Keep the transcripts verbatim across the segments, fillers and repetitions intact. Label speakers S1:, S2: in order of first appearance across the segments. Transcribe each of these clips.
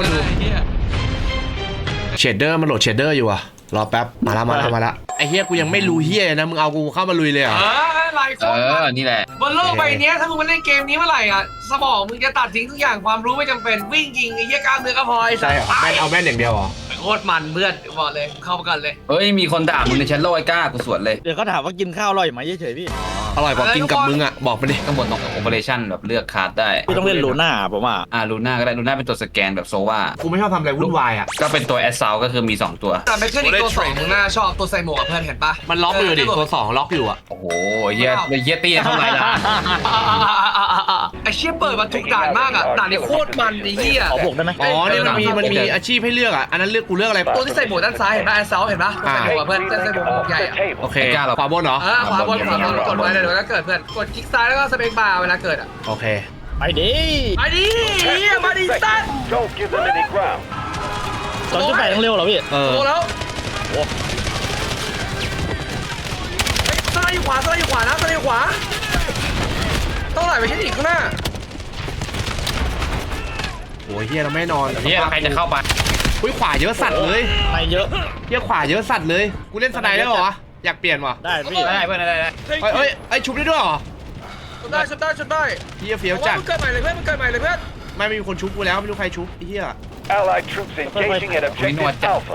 S1: คนดูเชดเดอร์มันโหลดเชดเดอร์อยู่อะรอแป๊บมาละมาละมาละไอ้เฮียกูยังไม่รู้เฮียนะมึงเอากูเข้ามาลุยเลยเหรอ
S2: เออหลายค
S3: เอน อนี่แหละ
S2: บนโลกใบนี้ถ้ามึงมาเล่นเกมนี้เมื่อไหร่อ่ะสมองมึงจะตัดทิ้งทุกอย่างความรู้ไม่จำเป็นวิ่งยิงไอ้เหี้ยกล้ามเนื้อก็พอไอ้สั
S1: ใช่
S2: ส
S1: เหรอแม่นเอาแม่นอย่างเดียวเหรอ
S2: โคตรมันเพื่อนบอกเลยเข้ามากันเลย
S3: เฮ้ยมีคนด่ามึงในแชทโลกไอ้ก้ากูสวนเลย
S4: เดี๋ยวเขาถามว่ากินข้าวอร่อยไหมเฉยๆพี่
S1: อร่อยกว่ากินกับมึงอะบอกมาดิ
S3: ข้างบนตรงโอเปอเรชั่นแบบเลือกคาร์ดได้
S4: พี่ต้องเล่นลูน่าผมว่า
S3: อ่าลูน่าก็ได้ลูน่าเป็นตัวสแกนแบบโซวา
S1: กูไม่ชอบทำอะไรวุ่นวายอะ
S3: ก็เป็นตัวแอสซาวก็คือมีสองตัว
S2: แต่ไม่ใช่อีกตัวสองมึงน่าชอบตัวใส่หมวกกับเพื่อนเห็นปะ
S1: มันล็อกอยู่ดิตัวสองล็อกอยู่อะ
S3: โอ้โหเฮียเฮียตี้เท่าไหร่ล่ะ
S2: ไอ้เชี่ยเปิดมาทุกด่านมากอ่ะด่านนี้โคตรมันไอ้เหี้ย
S4: ขอบวกได้ไหม
S1: อ๋อเนี่ยมันมีมันมีอาชีพให้เลือกอะอันนั้นเลือกกูเลือกอะไร
S2: ตัวที่ใส่หมวกด้านซ้ายเห็นปะไอ้เซาเห็นปะตัวใส่หมวกกับเพื่อนใส่หมวกหมวกใหญ่อะ
S1: โอเคขวาบนเหรอ
S2: เออขวาบนขวาบนกดไว้เลยเดี๋ยวก็เกิดเพื่อนกดคลิกซ้ายแล้วก็สเปคบาร์เวลาเกิดอ่ะ
S1: โอเค
S4: ไปดิ
S2: ไปดิเฮียมาดิสัตว์
S5: Don't give them any ground.
S4: สองจุดแปดต้องเร็วเหรอพี่
S1: เออ
S2: โตแล้ว
S4: โอ้
S2: สไลด์อยู่ขวาสไลด์อยู่ขวานะสไลด์อยู่ขวาต้องไหลไปที่อีกข้างหน้า
S1: โอ้ยเฮียเราไม่นอน
S3: เฮียใครจะเข้าไป
S1: อุ้ยขวาเยอะสัตว์เลย
S4: ไม่เยอะ
S1: เฮียขวาเยอะสัตว์เลยกูเล่นสไนได้เหรอวะอยากเปลี่ยนว่ะ
S4: ได้พี่
S3: ได้เพื่อนได้ได้
S1: เอ้ยเอ้ยไอ้ชุบได้ด้วยเหรอ
S2: ชุดได้ชุดได้ชุดได้
S1: เฮียเฟี้ยว
S2: เอา
S1: จั
S2: ว่า
S1: ด
S2: มันเกิดใหม่เลยเพื่อนมันเกิดใหม่เลยเพื่อน
S1: ไม่มีคนชุบกูแล้วไม่รู้ใครชุบไอ้เฮีย
S5: Allied troops engaging at objective Alpha.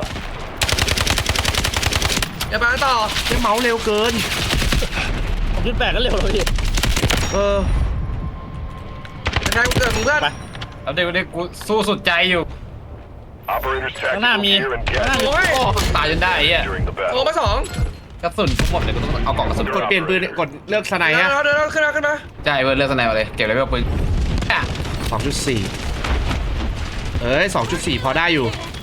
S2: อย่ามาต่อ
S1: เฮียเมาส์เร็วเกิน
S4: สองจุดแปดก็เร็วเลยพี่
S1: เออ
S2: จะแทงกูเกิดมึงเพื่อน
S4: ไป
S3: แล้วเดี๋ยวเดี๋ยวกูสู้สุดใจอยู่
S5: Operators
S4: ข้างหน้า
S5: tactical
S4: มี
S5: gear and
S4: ข้างหน้า
S5: gas
S4: มี
S2: โอ้ย
S3: โอ้ตายจนได้ไอ้เฮีย
S5: during the
S2: โอ้
S5: battle.
S2: มาสอง
S3: กระสุนทุกหมดเลยกูต้องเอากล่องกระสุน
S1: กดเปลี่ยนปืนกดเลือกสไน
S2: เดี๋ยว
S1: ฮะ
S2: เดี๋ยวเดี๋ยวขึ้นมาขึ้นมา
S3: ใช่เพื่อนเลือกสไนมาเลยเก็บเลยเพื่อนปืนอ่ะ
S1: สองจุดสี่เอ้ยสองจุดสี่พอได้อยู่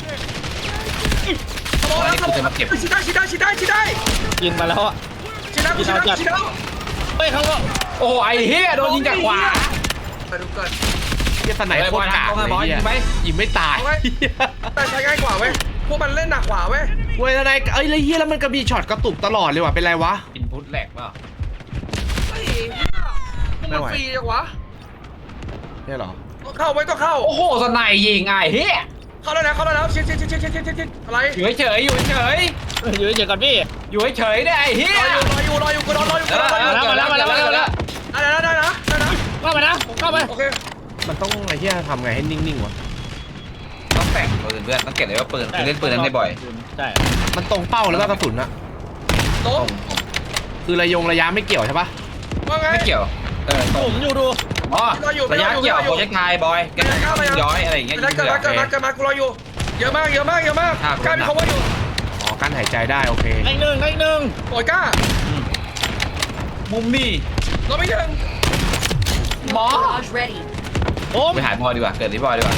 S2: สมองแล้วสมองชิดได้ชิดได้ชิดได้ชิดได้
S4: กินมาแล้วอ่ะ
S2: ชิดได้ชิดได้ชิดได้
S4: เฮ้ยเขาก็
S3: โอ้ไอ้เฮียโดนยิงจากขวา
S2: ไปดูเกิด
S1: เฮียสไนโคตรกากเลยเฮียยิงไม่ตาย
S2: แต่ใช้ง่ายกว่าเว้ยพวกมันเล่นหนักกว่าเว้ย
S1: เว้ยสไนเอ้ยแล้วเฮียแล้วมันก็มีช็อตกระตุกตลอดเลยว่ะเป็นไรวะ
S3: อินพุตแหลกเปล่า
S2: ไอ้มันฟรีจังวะ
S1: เนี่ยเหรอ
S2: เข้าไว้ต้องเข้า
S3: โอ้โหสไนยิงไอ้เฮีย
S2: เข้าแล้วนะเข้าแล้วนะชิดชิดชิดชิดชิดชิดชิดอะไร
S3: อยู่เฉยอยู่เฉย
S4: อยู่เฉยๆก่อนพี่
S3: อยู่เฉยได้ไอ้เฮีย
S2: รออยู่รออยู่รออยู่กูรอรออยู่กูรออยู่
S4: มาแล้วมาแล้วมาแล้วมาแล้ว
S2: ได้นะได้นะได้นะ
S4: เข้าไปนะผมเข้าไป
S2: โอเค
S1: มันต้องไอ้เฮียทำไงให้นิ่งๆวะ
S3: ต้องแต่งปืนเพื่อนต้องเก็บเลยว่าปืนคือเล่นปืนนั้นได้บ่อย
S4: ใช่
S1: มันตรงเป้าแล้วก็กระสุนอะ
S2: โต๊ะ
S1: คือระยงระยะไม่เกี่ยวใช่ปะ
S2: ว่าไง
S3: ไม่เกี่ยวเออตร
S4: ผ
S3: ง
S4: มอยู่ดู
S3: อ๋อระยะเกี่ยวโปรเจกต์ไทยบอยแกย้อยอะไรอย่างเงี้ย
S2: เกิดมาเกิดมาเกิดมากูรออยู่เยอะมากเยอะมากเยอะมากกล้ามีเขาว่าอยู่
S1: อ๋อกั้นหายใจได้โอเค
S4: ได้หนึ่งได้หนึ่ง
S2: โอยกล้า
S3: มุมนี่
S2: เราไม่ถึง
S3: หมอ
S6: Barrage ready.
S4: ผม
S3: ไปหายบอยดีกว่าเกิดที่บอยดีกว่า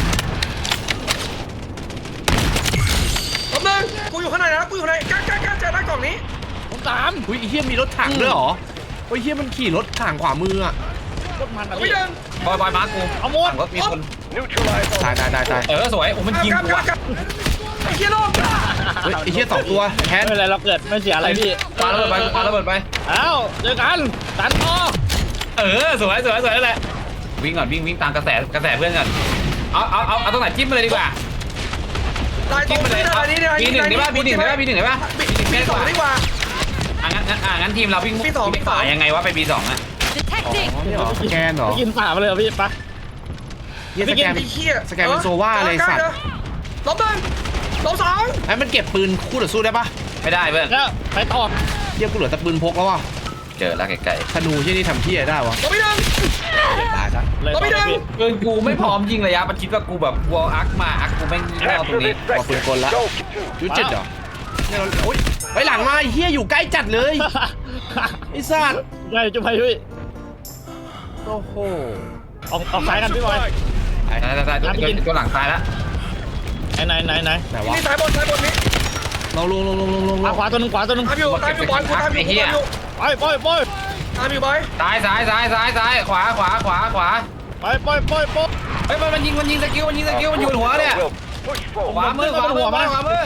S2: แป๊บนึงกูอยู่ข้างในนะกูอยู่ข้างในกล้ากล้ากล้าเจอหน้ากล่องนี้
S4: ผมสาม
S1: อุ้ยไอ้เฮียมีรถถังด้วยเหรอโอ้ยเฮียมันขี่รถถังขวามืออะ
S4: โคตรมันอ่ะ
S2: เราไม่
S4: พี่
S2: ถึง
S3: บอยบอยมาร์กู
S4: เอาหมด
S3: รถมีคน
S5: Neutralize
S1: ตาย
S5: all.
S1: ตายตายตาย
S3: เออสวยโอ้มันยิง
S2: กล้า
S3: กู
S2: กล้า
S3: อ่ะ
S2: กล้าไอ้เหี้ยโลก
S1: เฮ้ยไอ้เฮียสองตัวแค
S4: ไม่
S1: ท
S4: เป็นไรเราเกิดไม่เสียอะไรพี่
S3: ปาระเบิดไปปาระเบิดไป
S4: เอ้าเจอกันตันต่อ
S3: เออสวยสวยสวยนั่นแหละวิ่งก่อนวิ่งวิ่งตามกระแสกระแสเพื่อนก่อนเอาเอาเอาเอาตรงไหนจิ้มมาเลยดีกว่า
S2: ตายตร
S3: จิ้ม
S2: ง
S3: มาเลย
S2: นี้นะนี่นี่
S3: ปีหนึ่งได้ป่ะปีหนึ่งได้ป่ะปีหนึ่งได้ป่ะ
S2: ปีสองดีกว่า
S3: อ่ะงั้นงั้นอ่ะงั้นทีมเราวิ่ง
S2: ปีสอง
S3: วิ่งฝ่ายังไงวะไปปีสองอ่ะ
S1: อ๋อ
S6: Detecting.
S1: นี่เหรอสแกนเหรอ
S4: ไปกินฝ่ามาเลยเหรอพี่ปะ
S1: เฮียสแกน
S2: ไอ้เหี้ย
S1: สแกนเป็นโซว่าเลยสัตว์
S2: ลบหนึ่งลบสอง
S1: ไอ้มันเก็บปืนคู่ต่อสู้ได้ปะ
S3: ไม่ได้เพื่อน
S4: แล้วไปต่อ
S1: เฮียกูเหลือแต่ปืนพกแล้วว่ะ
S3: เจอแล้วไกล
S1: ธนูเฮียนี่ทำเฮียได้วะ
S2: ลบไม่ถึง
S1: ตายซะ
S4: เลยต่อเลยพี่
S3: ๆปืนกูไม่พร้อมยิงระยะมันคิดว่ากูแบบวอลอักมาอักกูแม่งยิงไม่เอาตรง
S5: Capture
S3: นี้
S5: this sector. Go to.
S1: ยุดจิตเหรอเนี่ยเราโอ๊ยไปหลังมาไอ้เฮียอยู่ใกล้จัดเลยไอ้สัตว์
S4: ได้จุ๊บไปพี่
S1: โอ้โห
S4: ออกออกซ้ายกันพี่บอย
S3: ตายตายตายตัวหลังตายแล้ว
S4: ไหนไหนไหนไหน
S1: ไหนวะ
S2: นี่สายบนสายบนนี้
S1: เราลงลงลงลงลงล
S4: ขวาง ขวาตัวหนึงขวาตัวหนึง
S2: ตามอยู่ตามอยู่บอลกูตามอยู่กูตามอยู่
S4: ไปไปไป
S2: ตามอยู่บอย
S3: ซ้ายซ้ายซ้ายซ้ายซ้ายขวาขวาขวาขวา
S4: ไปไปไปไป
S3: เฮ้ยมันมันยิงมันยิงสกิลมันยิงสกิลมันอยู่บนหัวเนี่ย
S5: Will push
S3: ข
S5: forward.
S3: วามือขวามือขวาขวามือ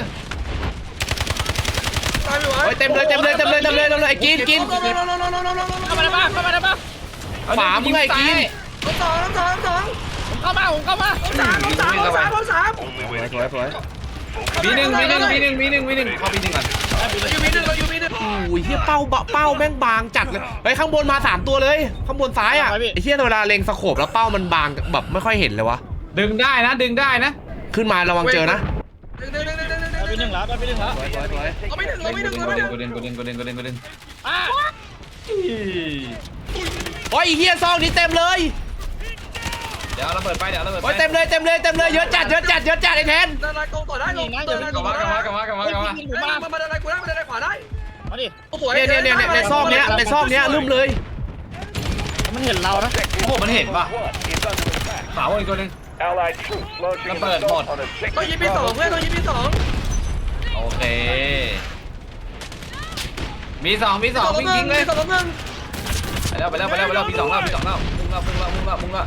S2: ตามอยู่บอย
S1: เฮ้ยเต็มเลยเต็มเลยเต็มเลยเต็มเลยเต็มเลยไอ้กินกิน
S2: ลบลบลบลบลบลบลบ
S4: เข้ามาได้ปะเข้ามาได้ปะ
S1: ขวามึงไอ้กิน
S2: ลบสองลบสองลบสอง
S4: ผมเข้ามาผมเข้ามา
S2: ลบสามลบสามลบสามลบสาม
S5: Only
S1: สวยสวย
S3: มีหนึ่งมีหนึ่งมีหนึ่งมีหนึ่งมีหนึ่งเข้ามีหนึ่งก่อน
S2: เราอยู่มีหนึ่งเราอยู่มีหนึ่ง
S1: โอ้ยเฮียเป้าเป้าแม่งบางจัดเลยเฮ้ยข้างบนมาสามตัวเลยข้างบนซ้ายอ่ะไอ้เฮียเวลาเล็งสโคปแล้วเป้ามันบางแบบไม่ค่อยเห็นเลยวะ
S3: ดึงได้นะดึงได้นะ
S1: ขึ้นมาระวังเจอนะ
S2: หนึ่งหนึ่งหนึ่งหนึ่งหนึ่งหนึ่ง
S4: ไปหนึ่งแล้วไปหนึ่งแล้ว
S1: สวยสวยสวย
S2: เราไม่หนึ่งเราไม่หนึ่งเราไม่หนึ่ง
S3: กูเด่นกูเด่นกูเด่นกูเด่นกูเด่น
S4: อ้า
S1: โอ้ยไอ้เฮียซองนี้เต็มเลย
S3: เดี๋ยวเราเปิดไฟเดี๋ยวเราเปิดไฟ
S1: โอ้ยเต็มเลยเต็มเลยเต็มเลยเยอะจัดเยอะจัดเยอะจัดไอ้แทน
S2: เดินไล่กงต่อได้ลงเดินไล่ก
S3: กลับ
S2: ง
S3: มา
S2: ต่อก
S3: ลับ
S2: ได้
S3: มากลับมากลับมากลับมา
S4: กินหมู
S2: มา
S4: มา
S2: มาเดินไล่กูได้มาเดินไล่ขวาได้
S4: มาดิ
S2: โอ้โห
S1: เนี่ยเนี่ยเนี่ยในซอกเนี้ยในซอกเนี้ยลืมเลย
S4: มันเห็นเรานะ
S3: โอ้โหมันเห็นป่ะ
S5: One is under attack.
S3: ขาวอีกตัวนึง
S5: Allied troops launching an
S3: Leopard
S5: assault
S3: mod.
S5: on
S2: ต้องยิง
S5: objective
S2: ปีสองเพื่อนต้องยิงปีสอง
S3: โอเคมีสองมีสองวิ่งยิงเลย
S2: สองหนึ่ง
S3: ไปแล้วไปแล้วไปแล้วไปแล้วมีสองแล้วมีสองแล้วมุ่งแล้วมุ่งแล้วมุ่งแล้วมุ่งแล้ว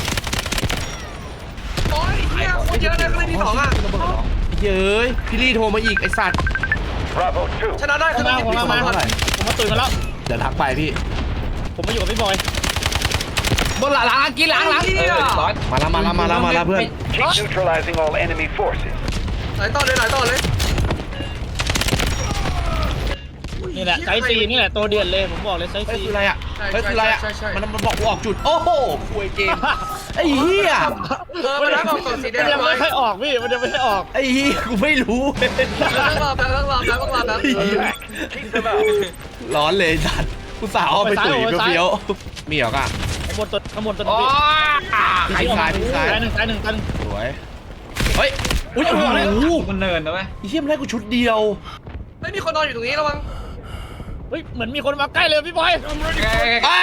S2: โอ้ยเฮียโคตรเยอะเลยก็เลยมีสองอ่ะ
S1: เย้ยพี่ลี่โทรมาอีกไอสัตว์
S5: Bravo two.
S2: ชนะได้
S4: ผ
S2: คือ
S4: ม
S2: ต้อง
S4: มา
S2: ยิง
S4: ผม
S2: ปีส
S4: มา
S2: อง
S4: มาผมมาตื่นกันแล้ว
S1: เดี๋ยวทักไปพี่
S4: ผมมาอยู่กับพี่บอย
S3: บนหลังหลังกินหลังหลังเออร้อย
S1: มาแล้วมาแล้วมาแล้วมาแล้วเพื่อน
S5: Keep neutralizing all enemy forces.
S2: หลายต่อเลยหลายต่อเลย
S4: นี่แหละไซส์ซีนี่แหละตัวเดียนเลยผมบอกเลยไซส์
S1: เฮ้ย
S4: ซี
S1: คืออะไรอ่ะเฮ้ยคืออะไรอ่ะมันมันบอกกูออกจุดโอ้โหคุยเกมไอ้เหี้ย
S2: เออมาแล้วเอากล่องสีแด
S4: มัน
S2: ง
S4: ยัง
S2: ไว้
S4: ไม่ค่อยออกพี่มันยังไม่ค่อยอออก
S1: ไอ้เหี้ยกูไม่รู้
S2: ต้องรอแป๊บต้องรอแป๊บต้องรอแป๊บ
S5: Attack. Keep them out.
S1: ร้อนเลยสัตว์กูสาวเอาไปตุ๋ยเฟี้ยวๆมีเหรอกะ
S4: ข้างบนตัวข้างบนตัว
S3: โอ้
S4: พี่
S3: ย
S1: ซ้ายซ้าย
S4: ซ้ายหนึ่งซ้ายหนึ่งซ้ายหนึ่ง
S1: สวยเฮ้ยอุ้ยโอ้โห
S3: มันเนินนะเว้ย
S1: ไอ้เหี้ยมันได้กูชุดเดียว
S2: ไม่มีคนนอนอยู่ตรงนี้ระวัง
S4: เฮ้ยเหมือนมีคนมาใกล้เลยพี่บอย
S1: อ้า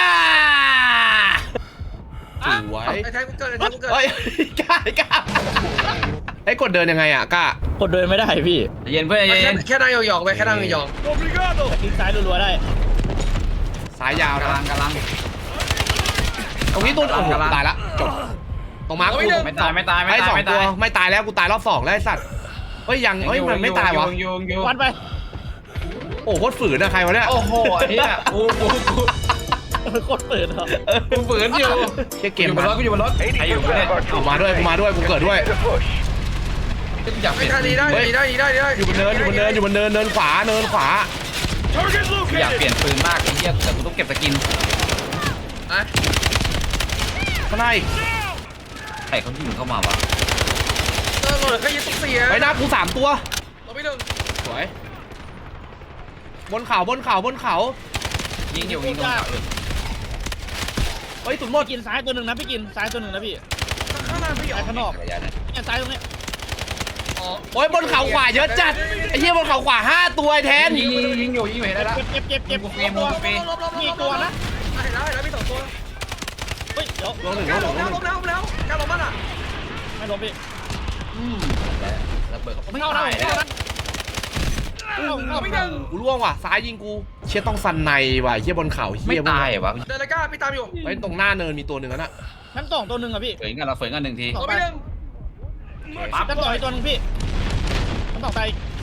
S1: สวย
S2: ไอ้แทงกูเกิดไอ้แทงกูเกิด
S1: เฮ้ยกล้ากล้าไอ้กดเดินยังไงอ่ะกล้าก
S4: ดเดินไม่ได้พี่
S3: เย็นเพื่อนเย็
S2: แค่
S3: น
S2: แค่นั่งหยองๆไปแค่นั่งหยอง
S4: แต่คลิกซ้ายรัวๆได้
S1: สายยาว
S3: กำลั
S1: นะ
S3: งกำลัง
S1: ตรงนี้ตัวโอ้โห
S3: กำลัง
S1: ตายละจบตรงมาร์คกู
S3: ไม่ตายไม่ตายไม่
S1: ไอ้
S3: ตาย
S1: สอง
S3: ไม่
S1: ตั
S3: ตา
S1: วย ไม่ตายแล้วกูตายรอบสองแล้วไอ้สัตว์เฮ้ยยังเฮ้ยมันไม่ตายวะ
S3: ยูงยูง
S4: วันไป
S1: โอ้โคตรฝืนอะใครวะเนี่ย
S3: โอ้โหไอ้เหี้ยกูกูกู
S4: โคตรเปิดเหรอ
S3: กูฝืนอยู่
S1: เชี่ยเกม
S3: อยู่บ
S1: มัน
S3: นรถกูอยู่บนรถใครอยู่
S5: eighty
S3: บน
S5: percent
S3: เนี่ย
S5: of our
S1: กู
S5: troops
S1: มาด้วยกูมาด้วยกูเกิดด้วย
S5: Continue to push.
S3: กูอยากเป
S2: ไม่
S3: ลี่ยน
S2: ได้ดีได้ดีได้ดีได้ดีได้
S1: อยู่บนเนินอยู่บนเนินอยู่บนเนินเนินขวาเนินขวา
S3: กูอยากเปลี่ยนปืนมากไอ้เหี้ยแต่กูต้องเก็บสกิน
S2: อ่ะ
S1: ข้างใน
S3: ใครเขายิงเข้ามาวะ
S2: เออโหลดแค่ยึดตุ๊กเสีย
S1: ไอ้หน้ากูสามตัว
S2: เราไม่หนึ่ง
S1: สวยบนเขาบนเขาบนเขา
S3: ยิงอยู่ยิงตรงเขาอยู่
S1: เฮ้ยสุดหมด
S4: พี่กินซ้ายตัวหนึ่งนะพี่กินซ้ายตัวหนึ่งนะพี่
S2: ข้างหน้าพี่หยอ
S4: ซ้าย
S2: ง
S4: ข้างนอก
S3: จักรยานเนี่ย
S4: เนี่ยซ้ายตรงเนี้ย
S2: อ๋อ
S1: โอ้ยบนเขาขวาเยอะจัดไอ้เหี้ยบนเขาขวาห้าตัวไอ้แทน
S3: ยิงยิงยิงอยู่ยิงอยู่เห็นได้แล้ว
S4: เก็บเก็บเก็บเก็บ
S3: กูเฟร
S4: เก็
S3: ม
S4: บตัว
S3: กูเฟรม
S2: ลบลบลบ
S4: มีตัวนะ
S2: เห็นแล้วเห็นแล้วมีสองตัว
S4: เฮ้ยเดี๋ยว
S1: ลงหนึ่ง
S2: ก
S1: ล
S2: ล้าง
S1: ห
S2: ล
S1: นึ่ง
S2: บ
S1: ลงห
S2: แล้
S1: นึ่
S2: ว
S1: ง
S2: ลบแล้วกล้าลบมันอ่ะ
S4: ไม่ล้มพี่
S3: อืมระเบิด
S4: ไม่เข้านะ
S3: ตาย
S4: ไม่
S3: แล้
S4: เข้าว นะเข้าเข้า
S2: ไม่หนึ่ง
S1: กูล่วงว่ะซ้ายยิงกูเชี่ยต้องสันในว่ะเหี้ยบนเขา
S3: ไม่
S1: เหี้ย
S3: ตายเหรอวะ
S2: เดินเลยกล้าพี่ตามอยู่
S1: เฮ้ยตรงหน้าเนินมีตัวหนึ่งแล้วน่ะ
S4: ชั้นสองตัวหนึ่งอะพี่
S3: เฝยกันเราเฝยกันหนึ่งที
S2: เราไม่หนึ่ง
S3: ปั๊บ
S4: ชั้นสองอีกตัวหนึ่งพี่ชั้นสองไป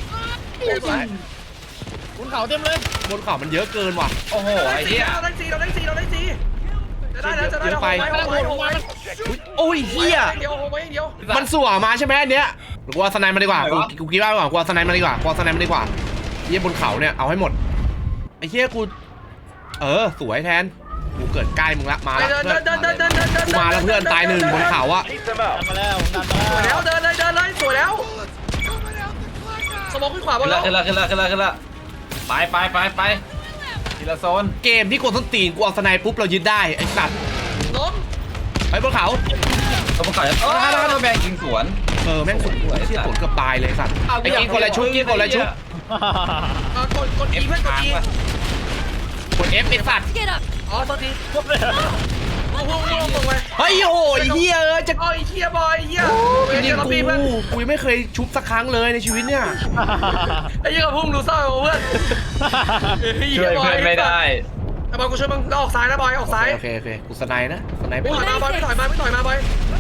S4: บนเขาเต็มเลย
S1: บนเขามันเยอะเกินว่ะ
S3: โอ้โหไอ้เหี้ย
S2: เราได้สี่เราได้สี่เราได้สี่จะได้แล้วจะได้แล้ว
S1: เยอะไป
S2: โอ้ยโอ้ยโอ้ย
S1: อุ๊ยโอ้ยเหี้ย
S2: เดียวโอ้ยเดียว
S1: มันสั่วมาใช่ไหมอันเนี้ยหรือกูเอาสไนด์มาดีกว่ากูกูคิดว่าดีกว่ากูเอาสไนด์มาดีกว่ากูเอาสไนด์มาดีกว่าเหี้ยบนเขาเนี่ยเอาให้หมดไอ้เหี้ยกูเออสวยแทนกูเกิดใกล้มึงละมาละ
S2: เดิน
S1: เพื่อน
S2: เดินเดินเดินเดินเดิน
S1: กูมาแล้วเพื่อนตายหนึ่งบนเขาอะ
S5: Keep them
S4: ดัน
S5: out.
S4: มาแล้วดันมา
S2: สวย
S4: แล้
S2: แล้ว วเดินเลยเดินเลยสวยแล้วสมองขึ้นขวาบ
S3: ขึ้
S2: น
S3: น
S2: แล้
S3: ละ
S2: ว
S3: ขึ้นละขึ้นละขึ้นละขึ้นละไปไปไปไปทีละโซน
S1: เกมที่กดส้นตีนกูเอาสไนด์ปุ๊บเรายึดได้ไอ้สัตว์
S2: ล้ม
S1: ไปบนเขา
S3: ตัวประกอบจะโอ้ยแบงยิงสวน
S1: เออแม่งสุดไอ้เชี่ยผลเกือบตายเลยไอ้สัตว์ไอ้กินคนละชุดกินคนละชุด
S2: กดกดอีเพื่อนกดอี
S1: กด F ไอ้สัตว์
S2: อ๋อโทษที
S4: ครบเลย
S2: โอ้โหลงไป
S1: เฮ้ยโอ้ยเฮียเอ้ยจะ
S2: อ๋อไอ้เฮียบอยเฮีย
S1: จริ
S2: เฮี
S1: ง
S2: ย
S1: ๆ
S2: เรา
S1: กู
S2: ปีเพื่อน
S1: กูยังไม่เคยชุบสักครั้งเลยในชีวิตเนี่ย
S2: ไอ้เฮียกับพุ่งดูเศร้าเพื่อน
S3: ช่วยเพื่อนไม่ได้
S2: ไอ้บอยกูช่วยมึงออกซ้ายนะบอยออกซ้าย
S1: โอเคโอเคกูสไนด์นะสไนด์
S2: ไม่
S1: ปุ๊บ
S2: ถอยมาบอยไม่ถอยมาไม่ถอยมาบอย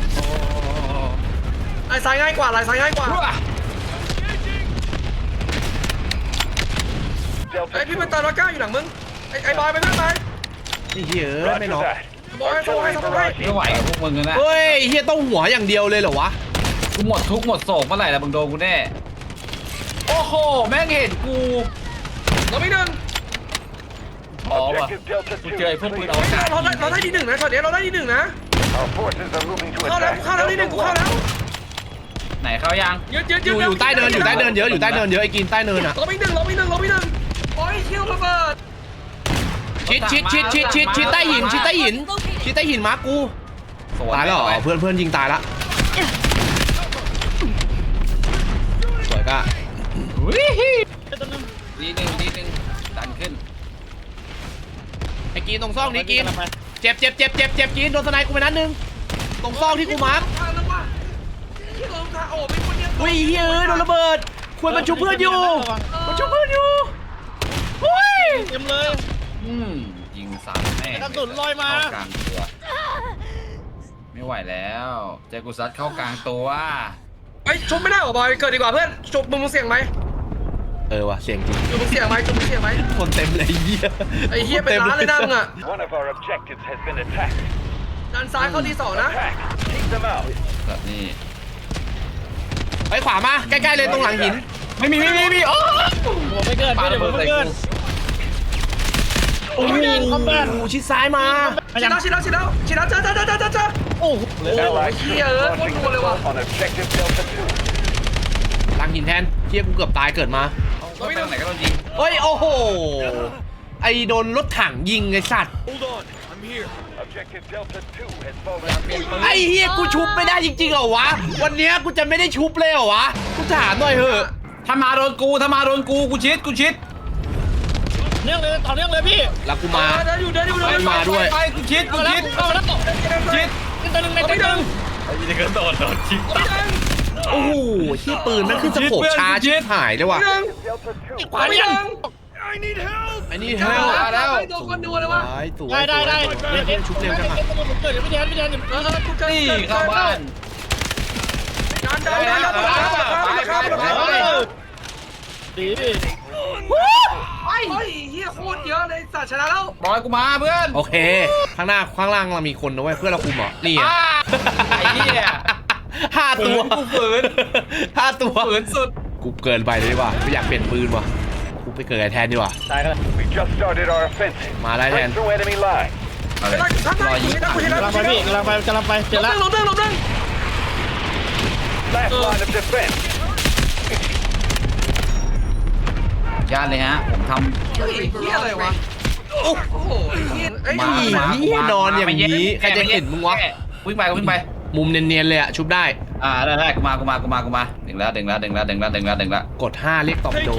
S2: ไอ้ซ้ายง่ายกว่าไอ้ซ้ายง่ายกว่า
S5: Delta
S2: ไอ้พี่
S5: two.
S2: เป็นตาลก้าอยู่หลังมึงไอ้ไอ้บอยไปเพื่อนไป
S1: ไอ้เฮียเอ้ยไม่
S5: Roger
S1: น็อก
S5: that.
S2: Boy,
S5: Artillery
S2: boy, boy.
S5: barrage
S3: ไม่ไหวกับพวกมึงนะ
S1: เฮ้ยเฮียต้องหัวอย่างเดียวเลยเหรอวะ
S2: ไ
S3: กูหมดทุกข์หมดโศกเมื่อไหร่ละมึงโดนกูแน่โอ้โหแม่งเห็นกู
S2: เราไม่หนึ่ง
S3: อ๋อว่ะ
S5: Objective Delta
S3: กู
S5: two
S3: เจอไอ้พวกปืน
S5: is
S3: เอา
S5: clear.
S3: กาศ
S2: เราได้เราได้ที่หนึ่งนะช็อตนี้เราได้ที่หนึ่งนะ
S5: Our forces are moving to
S2: เข้าแล้ว
S5: attack.
S2: เข้าแล้วที่หนึ่ง
S5: Delta
S2: กูเข้าแล้ว
S3: ไหนเข้ายัง
S2: เยอะเยอะ
S1: อ
S2: เย
S1: ยู่
S2: อะ
S1: อยู่ใต้เนินอยู่ใต้เนินเยอะอยู่ใต้เนินเยอะไอ้กินใต้เนินอ่ะ
S2: เราไม่หนึ่งเราไม่หนึ่งเราไม่หนึ่งโอ้ยเชี่ยวระเบิด
S1: ชิดชิดชิดชิดชิดชิดใต้หินชิดใต้หินชิดใต้หินมากู
S3: สวน
S1: ตายแล้วเหรอ
S3: ไป
S1: เพื่อนเพื่อนยิงตายละสวยก็
S3: วิฮี
S4: ตัวนึง
S3: ดีหนึ่งดีหนึ่งดันขึ้น
S1: ไอ้กินตรงซอกนี้กินเจ็บเจ็บเจ็บเจ็บเจ็บกินโดนสไนกูไปนัดนึงตรงซอกที่กูมาร์ค
S2: ทางแล้วว่ะที่ลงทางโอ้เป็นคนเดียว
S1: อุ้ยเฮ้ยโดนระเบิดควรมันชุบเพื่อนอยู่มันชุบเพื่อนอยู่อุ้ย
S4: เต็มเลย
S3: อืมยิงสามแม่ง
S4: กระสุนลอยมา
S3: เข้ากลางตัวไม่ไหวแล้วเจอกูซัดเข้ากลางตัว
S2: ไอ้ชมไม่ได้หรอบอยเกิดดีกว่าเพื่อนชมมึงมึงเสี่ยงไหม
S1: เออว่ะเสียงจริง
S2: มึงเสี่ยงไหมมึงเสี่ยงไหม
S1: คนเต็มเลยไอ้เหี้ย
S2: ไอ้เฮียเป็นล้านเลยนะมึงอ่ะ
S5: One of our objectives has been attacked.
S2: ด้านซ้ายเข้าที่สองนะ
S5: Attack. Take them out.
S3: แบบนี้
S1: ไปขวามาใกล้ๆเลยตรงหลังหิน
S3: ไม่มีไม่มีไม่มีโอ้
S4: หัวไม่เกิน
S3: ปา
S4: ไม่
S3: ระ
S4: เดี๋ยว
S3: เบิ
S4: หั
S3: ด
S4: ว
S3: ใส่
S4: ไม่เกิน
S3: กู
S1: โอ้โหคอมแบทชิดซ้ายมา
S2: ชิดแล้วชิดแล้วชิดแล้วชิดแล้วเจอเจอเจอเจอเจอเจอ
S4: โอ้โห
S5: Allied
S2: here,
S5: troops
S2: what
S5: launching
S2: do you want?
S5: assault on objective Delta two.
S1: หลังหินแทนเฮียกูเกือบตายเกิดมา
S3: เราไปทางไหนก็ต้องยิง
S1: เฮ้ยโอ้โหไอโดนรถถังยิงไอสัตว์
S5: Objective Delta two has fallen.
S1: ไอเฮียกูชุบไม่ได้จริงๆเหรอวะวันเนี้ยกูจะไม่ได้ชุบเลยเหรอวะกูถามหน่อยเถอะ
S3: ถ้ามาโดนกูถ้ามาโดนกูกูชิดกูชิด
S4: เนื่องเลยต่อเนื่องเลยพี่
S1: แล้วกูมา
S2: เดินอยู่เดินอยู่เดินอยู่
S1: มาด้วย
S3: ไปกูชิดกู
S4: เอาแล้ว
S3: ชิด
S4: เอาแล้ว
S3: ชิด
S4: ตัวนึงในตัวนึง
S3: ไอ้นี่ก็โดดโดดชิด
S1: โอ้โหที่ปืนมันขึ้นสะโขบช้าชิบหายเลยว่ะ
S5: Delta two.
S4: ขวายัง
S1: ไอ้นี่เฮล
S2: แล้วโดนคนดูเลยวะ
S1: สวย
S4: ได้ได้ได้
S1: เล่นเล่นชุบเร็วจังอะ
S4: เกิดเดี๋ยวไม่แทนไม่แทน
S2: เออกูเกิด
S3: นี่เข้าบ้าน
S2: ดันดันดันดันดันดัน
S4: ดี
S2: ไอ้เฮียโคตรเยอะเลยสัตว์ชนะแล้ว
S3: บอยกูมาเพื่อน
S1: โอเค ข้างหน้าข้างล่างเรามีคนนะเว้ยเพื่อนเราคุมเหรอนี่ไง
S3: อ้าไอ้เหี้ย
S1: ห้าตัว
S3: กูฝืน
S1: ห้าตัว
S3: ฝืนสุด
S1: กูเกินไปเลยดีกว่าไม่อยากเปลี่ยนปืนว่ะกูไปเกิดไอ้แทนดีกว่า
S4: ตายกัน
S5: We just started our offensive.
S1: มาได้แทน
S5: Break through enemy line.
S3: อะไร
S2: ข้างหน้าร
S3: อยิง
S2: กูเห็นแล้ว
S4: กำลังไปพี่กำลังไปกำลังไปเจอ
S2: ล
S4: แล้ว
S2: งลงลงลง
S5: Last line of defense.
S3: ญาติเลยฮะผมท
S2: เฮ้ยเฮียอะไรวะโอ้โหเฮียไอ้
S3: ำ
S1: มา เหี้ยนอนอย่างนี้ใครจะเห็นมึงวะ
S3: วิ่งไปวิ่งไป
S1: มุมเนียนๆเลยอะชุบได้
S3: อ่าได้ได้กูมากูมากูมากูมาดึงแล้วดึงแล้วดึงแล้วดึงแล้วดึงแล้วดึงแล้ว
S1: กดห้าเรียกตอบโด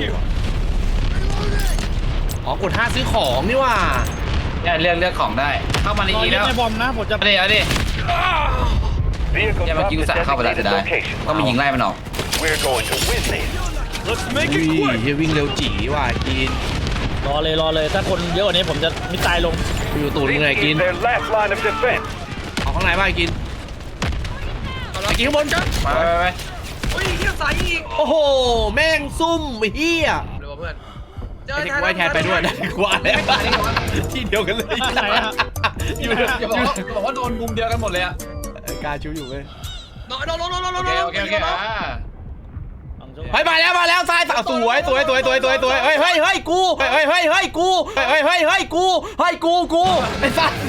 S1: อ๋อกดห้าซื้อของนี่ว่า
S3: เนี่ยเลือกเลือกของได้ เข้ามาใน
S4: รอ
S3: อี
S4: ยิง
S3: แล้ว
S4: ในบอมนะผมจะ
S3: เอาดิเอาดิ
S5: Vehicle
S3: เนี่ยเมื่อ
S5: drop
S3: กี้กู
S5: the
S3: สั่งเข้าไปแล้ว
S5: designated
S3: จะได้
S5: location.
S3: ต้องมียิงไล่มันออก
S5: We're going to win this.
S1: อุ้ยเฮียวิ่งเร็วจี๋ว่ะกิน
S4: รอเลยรอเลยถ้าคนเยอะกว่านี้ผมจะมิตายลง
S1: กูอยู่ตูดมึงไง
S5: This
S1: กิน
S5: is their last line of defense.
S1: เอาข้างในบ้างไอ้กินไอ้กินข้างบนจ้ะ
S3: ไปไปไป
S2: เฮ้ยเฮียสายอีก
S1: โอ้โหแม่งซุ่มไอ้เฮีย
S2: เดี๋ยวเพื่อนเจอ
S1: ไอ้ที่กูให้แทนไปด้วยนะกูว่าแล้วที่เดียวกันเลย
S4: ไหนอะ
S1: อยู่
S3: อย่าบอกว่าอย่าบอกว่าโดนมุมเดียวกันหมดเลยอะ
S1: การชูอยู่เว้ย
S2: นอนนอนนอนนอนนอน
S3: โอเคโอเคโอเคอ่า
S1: เฮ้ยมาแล้วมาแล้วซ้ายสวยสวยสวยสวยสวยสวยเฮ้ยเฮ้ยเฮ้ยกูเฮ้ยเฮ้ยเฮ้ยกูเฮ้ยเฮ้ยเฮ้ยกูเฮ้ยกูกูไอ้สัตว์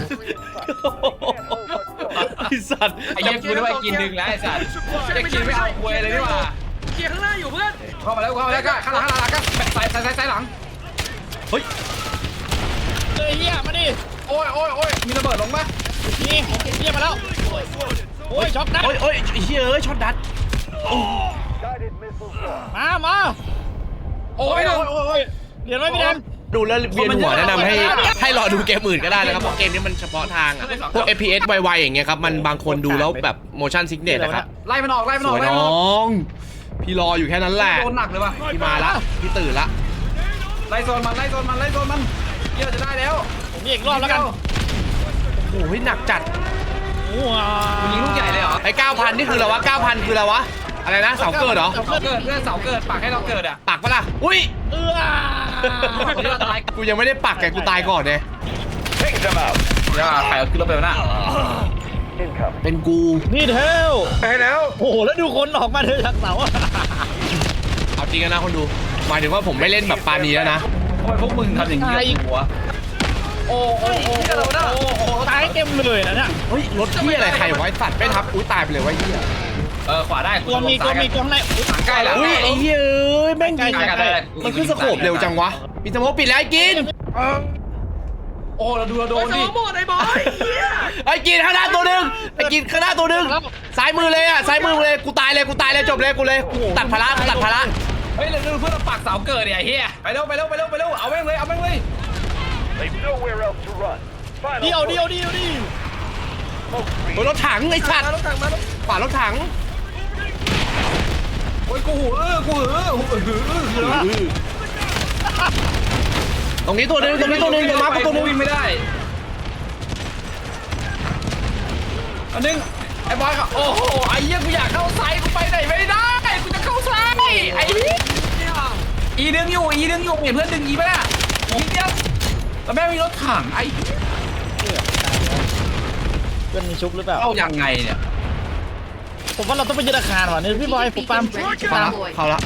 S1: ไอ้สัตว์
S3: ไอ้เหี้ยกูนึกว่ากินดึงแล้วไอ้สัตว์จะกินไม่เอาควยเลยนี่หว่า
S2: เกียร์ข้างหน้าอยู่เพื่อน
S3: เข้ามาแล้วเข้ามาแล้วก็ข้างหลังข้างหลังก็ใส่ใส่ใส่ใส่หลัง
S1: เฮ้ย
S4: เฮ้ยเฮียมาดิ
S3: โอ้ยโอ้ยโอ้ยมีระเบิดลงปะ
S4: นี่เฮียมาแล้วโอ้ยช็อกนะ
S1: โอ้ยโอ้ยเฮ้ยเอ้ยช็อตดัด
S5: Guided missiles launched.
S4: มามา
S3: โอ้ยโอ้ยโอ้ย
S4: เรียนไว้พี่แดน
S1: ดูแล้วเวียนหัวแนะนำให้ให้รอดูเกมอื่นก็ได้นะครับเพราะเกมนี้มันเฉพาะทางอะพวก เอฟ พี เอส ไวๆอย่างเงี้ยครับมันบางคนดูแล้วแบบ motion sickness นะครับ
S3: ไล่มันออกไล่มัน
S1: ส
S3: ออก
S1: วย
S3: ไล่มันอ
S1: น้
S3: อก
S1: องพี่รออยู่แค่นั้นแหละ
S3: โดนหนักเลยว่ะ
S1: พี่มาละพี่ตื่นละ
S3: ไล่โซนมันไล่โซนมันไล่โซนมันเยอะจะได้แล้ว
S4: ผมยิงอีกรอบแล้วกัน
S1: โอ้ยหนักจัด
S4: ว้า
S3: มึงยิงลูกใหญ่เลยเหรอ
S1: ไอ้เก้าพันนี่คืออะไรวะเก้าพันคืออะไรวะอะไรนะเสาเกิดเหรอ
S3: เสาเกิดเพื่อนเสาเกิดปากให้เราเกิดอ่ะ
S1: ปักปะล่ะอุ้ย
S4: เอื้อ
S1: กูยังไม่ได้ปักไงกูตายก่อนเนี่ย
S5: Take them out.
S3: เดี๋ยวใครเอาขึ้นรถไปวะน่ะ
S5: incoming.
S1: เป็นกู
S4: นี่เทล
S2: ไปแล้ว
S4: โอ้โหแล้วดูคนออกมาเธอจากเสาอะ
S1: เอาจริงนะคนดูหมายถึงว่าผมไม่เล่นแบบปานีแล้วนะ
S3: ทำไมพวกมึงทำอย่างนี้กับหัวโอ้โอ้โอ้โอ้โอ้
S4: ตายเต็มเลยนะเนี่ย
S1: เฮ้ยรถที่อะไรใครไว้สัตว์ไม่ทับอุ้ยตายไปเลยไวะไอ้เหี้ย
S3: เออขวาได้
S4: ตัวมีตัวมีตัวข้างในอุ๊ย
S3: ใกล้แล้ว
S1: อุ้ยไอ้เหี้ยเอ้ยแม่ง
S4: ใกล้
S1: ยิง
S4: ใกล้ใกล้
S1: มันขึ้นสโคปเร็วจังวะมีสโมกปิดแล้วไอ้กิน
S3: โอ้เราดูเราโด
S2: โด
S3: น
S2: น
S3: ดิ
S2: หมดไอ้บอยเหี้ย
S1: ไอ้กินข้างหน้าตัวหนึ่งไอ้กินข้างหน้าตัวหนึ่งซ้ายมือเลยอ่ะซ้ายมือเลยกูตายเลยกูตายเลยจบเลยกูเลยตัดภาระกูตัดภาระ
S3: เฮ้ยเราดูเพื่อนเราปักเสาเกิดเนี่ยเฮียไปเร็วไปเร็วไปเร็วไปเร็วเอาแม่งเลยเอาแม่งเลย
S5: They've nowhere else to run.
S4: เดียว
S5: Final
S4: เดียวเดียวดิ
S5: smoke
S1: โอ้ย
S5: screen.
S1: รถถังไอ้สัตว์
S2: รถถังมารถ
S1: ขวารถถัง
S3: โอ้ยกูหูเออกูหูเออหูเออหือคืออะไรวะ
S1: ตรงนี้ตัวหนึ่งตรงนี้ตัวหนึ่งตรงมาร์คตัวหนึ่ง
S3: วิ่งไม่ได้อันนึงไอ้บอยก็โอ้โหไอ้เหี้ยกูอยากเข้าไซส์กูไปไหนไม่ได้กูจะเข้าไซส์ไอ้เหี้ย
S2: เนี่ย
S3: อีดึงอยู่อีดึงอยู่เห็นเพื่อนดึงอีป่ะน่ะอีเดียวแล้วแม่งมีรถถังไอ้
S4: เพื่อนมีชุบหรือเปล่า
S3: เข้ายังไงเนี่ย
S4: ผมว่าเราต้องไปยึดอาคารว่ะเนี่ยพี่บอยผมปาล์ม
S1: มาละเข้าละ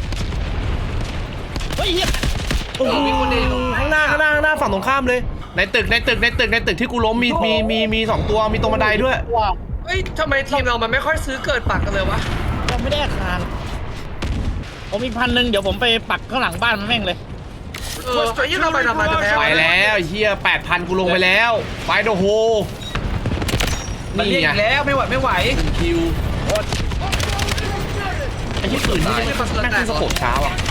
S4: เฮ้ยเฮีย
S1: โอ้โหข้างหน้าข้างหน้าข้างหน้าฝั่งตรงข้ามเลย ในตึกในตึกในตึกในตึกที่กูล้มมีมีมีมีสองตัวมีตรงบันไดด้วย
S4: ว้าว
S2: เฮ้ยทำไมทีมเรามันไม่ค่อยซื้อเกิดปักกันเลยวะ
S4: เราไม่ได้อาคารผมมีพันหนึ่งเดี๋ยวผมไปปักข้างหลังบ้านมันแม่งเลย
S2: เออไอ้ยี่เราไปทำไมจะแพ้
S1: ไปแล้วไอ้เฮียแปดพันกูลงไปแล้วไฟโดโฮ
S3: มันเรียก
S1: นี่
S3: อี
S1: ไง
S3: กแล้วไม่ไหวไม่ไหว
S1: คิวไอ้ที่ปืนนี่แม่งขึ้นสโคปช้าอ่ะ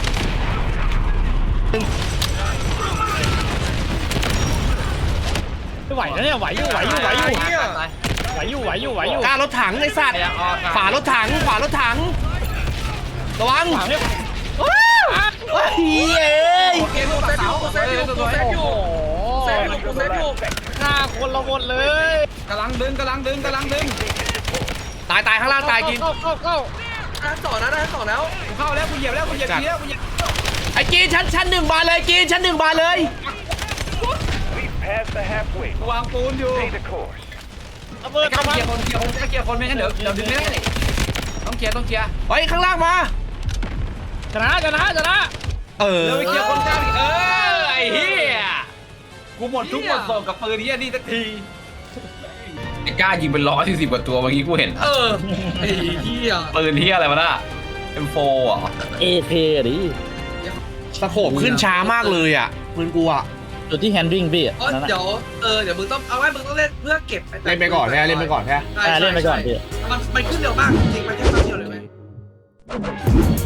S4: ไม่ไหวนะเนี่ยไหวอยู่ไหวอยู่ไหวอยู่ไหวอยู่ไหวอยู่ไหวอยู่
S1: กล้ารถถังไอ้สัตว์ขวารถถังขวารถถังระวัง
S4: ขวาไม่
S1: เฮ้ยเอ้ย
S2: โอเคกูเซฟอยู่กูเซฟอยู่กูเซฟอยู่
S4: โอ้โห
S2: เซฟอยู่กูเซฟอยู่
S4: ฆ่าคนละหมดเลย
S3: กำลังดึงกำลังดึงกำลังดึง
S1: ตายตายข้างล่างตายกิน
S4: เข้าเข้าเข้า
S2: ได้ต่อนะได้ต่อแล้ว
S3: กูเข้าแล้วกูเหยียบแล้วกูเหยียบทีแล้วกูเหยียบ
S1: ไอ้กินชั้นชั้นหนึ่งมาเลยกินชั้นหนึ่งมาเลย
S5: We've passed the halfway.
S3: กูวางปูนอยู่
S5: Stay the course.
S4: ระเบิด
S3: กล้า
S4: ระ
S3: เค
S4: เบิ
S3: ลีย
S4: ด
S3: ร์คนเคลียร์คนเคลียร์คนไม่งั้นเดี๋ยวเดี๋ยวดึงไม่ได้ต้องเคลียร์ต้องเคลียร์
S1: เฮ้ยข้างล่างมา
S4: ชนะชนะชนะ
S1: เออ
S3: เดี๋ยวไปเคลียร์คนกล้าดิเออไอ้เหี้ยกูหมดทุกหมดโศกกับปืนเหี้ยนี่สักทีไอ้กล้ายิงเป็นร้อยสี่สิบกว่าตัวเมื่อกี้กูเห็น
S2: เออไอ้เหี้ย
S3: ปืนเหี้ยอะไรวะน่ะ เอ็ม โฟร์ อ่ะ
S4: เอเคดิ
S1: สโคปขึ้นช้ามากเลยอ่ะปืนกูอ่ะ
S4: จุดที่แฮนดิ้งพี่อ่ะ
S2: เออ
S4: นั่นแหละ
S2: เดี๋ยวเออเดี๋ยวมึงต้องเอาไว้มึงต้องเล่นเพื่อเก็บ
S1: เล่นไปก่อนแค่เล่นไปก่อนแค่
S2: ใช่
S4: อ่าเล่นไปก่อนพี่
S2: มันมันขึ้นเร็วมากจริงๆมันแค่ครั้งเดียวเลยเว้ย